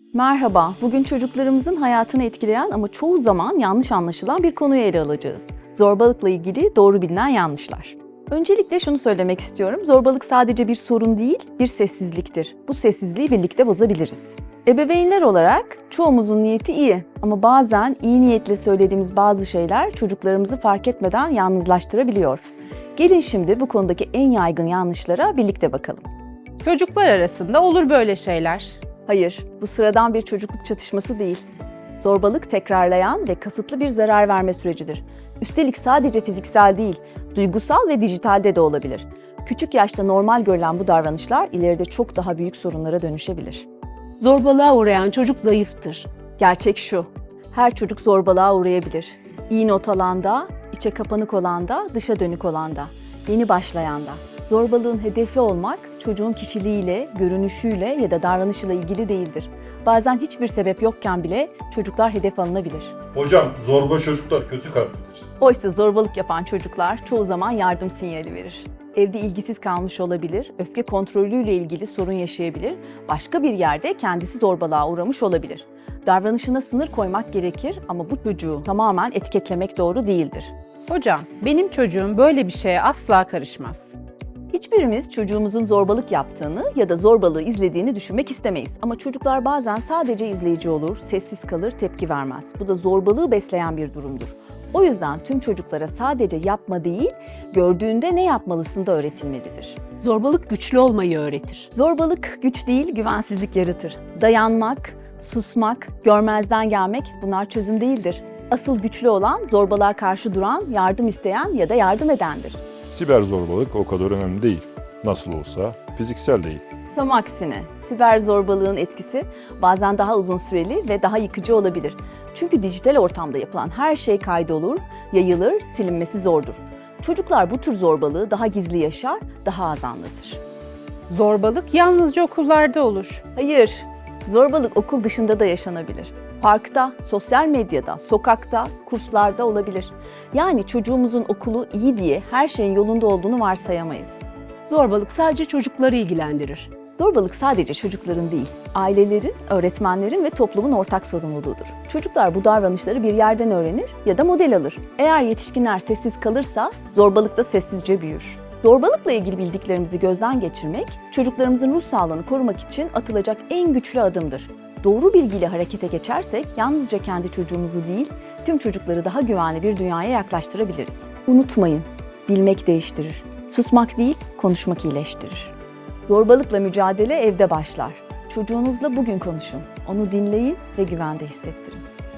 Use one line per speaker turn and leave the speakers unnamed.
Merhaba, bugün çocuklarımızın hayatını etkileyen ama çoğu zaman yanlış anlaşılan bir konuyu ele alacağız. Zorbalıkla ilgili doğru bilinen yanlışlar. Öncelikle şunu söylemek istiyorum, zorbalık sadece bir sorun değil, bir sessizliktir. Bu sessizliği birlikte bozabiliriz. Ebeveynler olarak çoğumuzun niyeti iyi ama bazen iyi niyetle söylediğimiz bazı şeyler çocuklarımızı fark etmeden yalnızlaştırabiliyor. Gelin şimdi bu konudaki en yaygın yanlışlara birlikte bakalım.
Çocuklar arasında olur böyle şeyler.
Hayır, bu sıradan bir çocukluk çatışması değil. Zorbalık tekrarlayan ve kasıtlı bir zarar verme sürecidir. Üstelik sadece fiziksel değil, duygusal ve dijitalde de olabilir. Küçük yaşta normal görülen bu davranışlar ileride çok daha büyük sorunlara dönüşebilir.
Zorbalığa uğrayan çocuk zayıftır.
Gerçek şu, her çocuk zorbalığa uğrayabilir. İyi not alanda, içe kapanık olanda, dışa dönük olanda, yeni başlayanda. Zorbalığın hedefi olmak çocuğun kişiliğiyle, görünüşüyle ya da davranışıyla ilgili değildir. Bazen hiçbir sebep yokken bile çocuklar hedef alınabilir.
Hocam zorba çocuklar kötü kalplidir.
Oysa zorbalık yapan çocuklar çoğu zaman yardım sinyali verir. Evde ilgisiz kalmış olabilir, öfke kontrolüyle ilgili sorun yaşayabilir, başka bir yerde kendisi zorbalığa uğramış olabilir. Davranışına sınır koymak gerekir ama bu çocuğu tamamen etiketlemek doğru değildir.
Hocam, benim çocuğum böyle bir şeye asla karışmaz.
Hiçbirimiz çocuğumuzun zorbalık yaptığını ya da zorbalığı izlediğini düşünmek istemeyiz. Ama çocuklar bazen sadece izleyici olur, sessiz kalır, tepki vermez. Bu da zorbalığı besleyen bir durumdur. O yüzden tüm çocuklara sadece yapma değil, gördüğünde ne yapmalısın da öğretilmelidir.
Zorbalık güçlü olmayı öğretir.
Zorbalık güç değil, güvensizlik yaratır. Dayanmak, susmak, görmezden gelmek bunlar çözüm değildir. Asıl güçlü olan zorbalığa karşı duran, yardım isteyen ya da yardım edendir.
Siber zorbalık o kadar önemli değil. Nasıl olsa fiziksel değil.
Tam aksine, siber zorbalığın etkisi bazen daha uzun süreli ve daha yıkıcı olabilir. Çünkü dijital ortamda yapılan her şey kaydolur, yayılır, silinmesi zordur. Çocuklar bu tür zorbalığı daha gizli yaşar, daha az anlatır.
Zorbalık yalnızca okullarda olur.
Hayır, zorbalık okul dışında da yaşanabilir. Parkta, sosyal medyada, sokakta, kurslarda olabilir. Yani çocuğumuzun okulu iyi diye her şeyin yolunda olduğunu varsayamayız.
Zorbalık sadece çocukları ilgilendirir.
Zorbalık sadece çocukların değil, ailelerin, öğretmenlerin ve toplumun ortak sorumluluğudur. Çocuklar bu davranışları bir yerden öğrenir ya da model alır. Eğer yetişkinler sessiz kalırsa zorbalık da sessizce büyür. Zorbalıkla ilgili bildiklerimizi gözden geçirmek, çocuklarımızın ruh sağlığını korumak için atılacak en güçlü adımdır. Doğru bilgiyle harekete geçersek yalnızca kendi çocuğumuzu değil, tüm çocukları daha güvenli bir dünyaya yaklaştırabiliriz. Unutmayın, bilmek değiştirir. Susmak değil, konuşmak iyileştirir. Zorbalıkla mücadele evde başlar. Çocuğunuzla bugün konuşun, onu dinleyin ve güvende hissettirin.